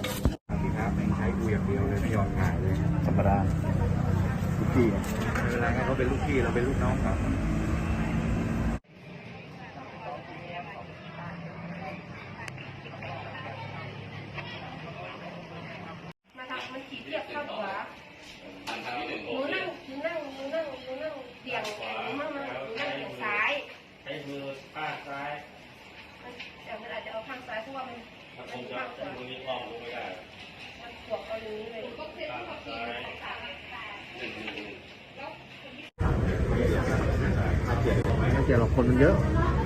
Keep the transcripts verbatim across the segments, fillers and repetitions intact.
สิครับไม่ใช้กูอย่างเดียวเลยไม่ยอมถ่ายเลยธรรมดาลูกพี่ไม่เป็นไรครับเขาเป็นลูกพี่เราเป็นลูกน้องครับมาทำมันขี่เทียบเข้าขวาหนูนั่งหนูนั่งหนูนั่งหนูนั่งเบี่ยงหนูมั่งมั่งหนูนั่งเบี่ยงซ้ายใช้มือข้างซ้ายแต่มันอาจจะเอาข้างซ้ายเพราะว่ามันมันคงจะใช้มือนี้ออกลงไม่ได้มันขวบเอาอย่างนี้เลยข้างซ้ายไม่เกี่ยวหรอกคนมันเยอะ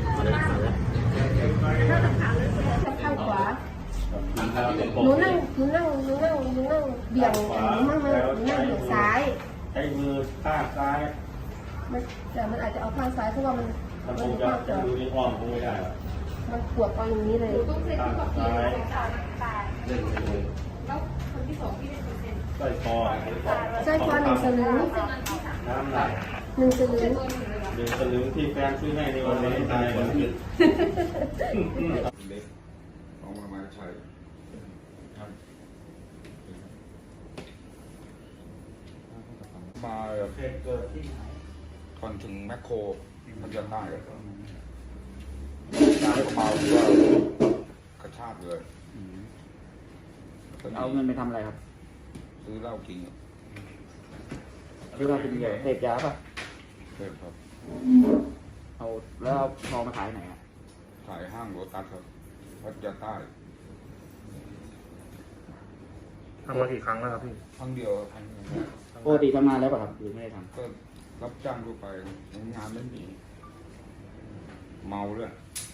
ข้างขวาหนูนั่งหนูนั่งหนูนั่งหนูนั่งเบี่ยงหนูมั่งมั่งหนูนั่งเบี่ยงซ้ายใช้มือข้างซ้ายมันแต่มันอาจจะเอาข้างซ้ายเพราะว่ามันมันคงจะใช้มือนี้ออกลงไม่ได้มันขวบเอาอย่างนี้เลยข้างซ้ายเล่นมือใส่คอใส่คอหนึ่งสลึงน้ำหนักหนึ่งสลึงหนึ่งสลึงที่แฟนซื้อให้ในวันนี้ตายวันนี้เล็กของมามาชัยครับมาเหตุเกิดที่ไหนก่อนถึงแมคโครมันจะได้ได้ก็เมาที่ว่ากระชากเลยเอาเงินไปทำอะไรครับซื้อเหล้ากินซื้อเหล้ากินใหญ่เสพยาป่ะเสพครับเอาแล้วพอมาขายไหนอ่ะขายห้างโรตัสครับพัทยาใต้ทำมากี่ครั้งแล้วครับพี่ครั้งเดียวครั้งเดียวปกติทำงานแล้วป่ะครับหรือไม่ได้ทำก็รับจ้างทั่วไปงานไม่มีเมาด้วย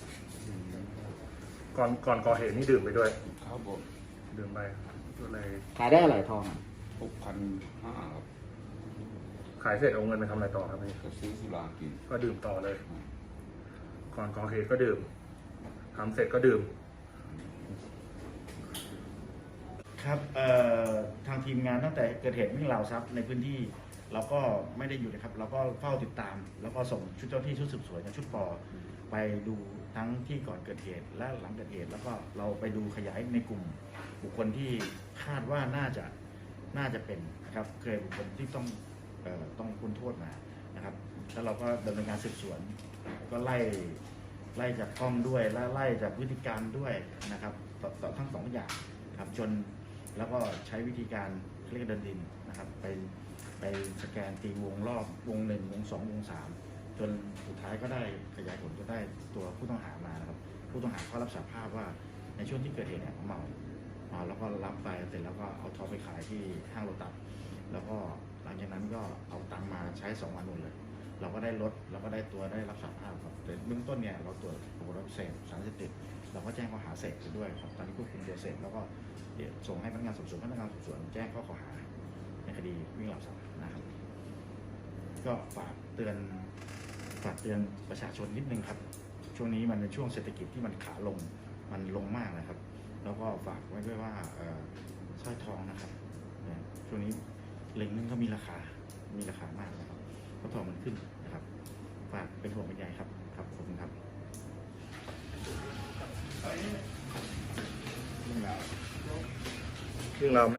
ก่อนก่อนก่อเหตุนี่ดื่มไปด้วยครับผมดื่มไปก็เลยขายได้อะไรทองหกพันห้าครับขายเสร็จเอาเงินไปทำอะไรต่อครับพี่ก็ซื้อสุรากินก็ดื่มต่อเลยก่อนก่อเหตุก็ดื่มทำเสร็จก็ดื่มครับทางทีมงานตั้งแต่เกิดเหตุวิ่งราวทรัพย์ในพื้นที่เราก็ไม่ได้อยู่นะครับเราก็เฝ้าติดตามแล้วก็ส่งชุดเจ้าที่ชุดสืบสวนกับชุดปอไปดูทั้งที่ก่อนเกิดเหตุและหลังเกิดเหตุแล้วก็เราไปดูขยายในกลุ่มบุคคลที่คาดว่าน่าจะน่าจะเป็นนะครับเคยบุคคลที่ต้องเอ่อต้องพ้นโทษมานะครับแล้วเราก็ดำเนินการสืบสวนก็ไล่ไล่จากกล้องด้วยและไล่จากพฤติกรรมด้วยนะครับต่อทั้งสองอย่างครับจนแล้วก็ใช้วิธีการเรียกเดินดินนะครับไปไปสแกนตีวงรอบวงหนึ่งวงสองวงสามจนสุดท้ายก็ได้ขยายผลก็ได้ตัวผู้ต้องหามานะครับผู้ต้องหาก็รับสารภาพว่าในช่วงที่เกิดเหตุเนี่ยเมาเมาแล้วก็รับไปเสร็จแล้วก็เอาทองไปขายที่ห้างโลตัสแล้วก็หลังจากนั้นก็เอาตังมาใช้สองวันหมดเลยเราก็ได้ลดเราก็ได้ตัวได้รับสารภาพครับแต่เบื้องต้นเนี่ยเราตรวจพบว่าเสพสารเสพติดเราก็แจ้งข้อหาเสพไปด้วยครับตอนนี้ควบคุมตัวเสพแล้วก็ส่งให้พนักงานสอบสวนพนักงานสอบสวนแจ้งข้อกล่าวหาในคดีวิ่งราวทรัพย์นะครับก็ฝากเตือนฝากเตือนประชาชนนิดนึงครับช่วงนี้มันเป็นช่วงเศรษฐกิจที่มันขาลงมันลงมากนะครับแล้วก็ฝากไว้ด้วยว่าสร้อยทองนะครับช่วงนี้เหรียญนึงก็มีราคามีราคามากนะครับเพราะทองมันขึ้นนะครับฝากเป็นห่วงเป็นใยครับครับขอบคุณครับเรื่องราว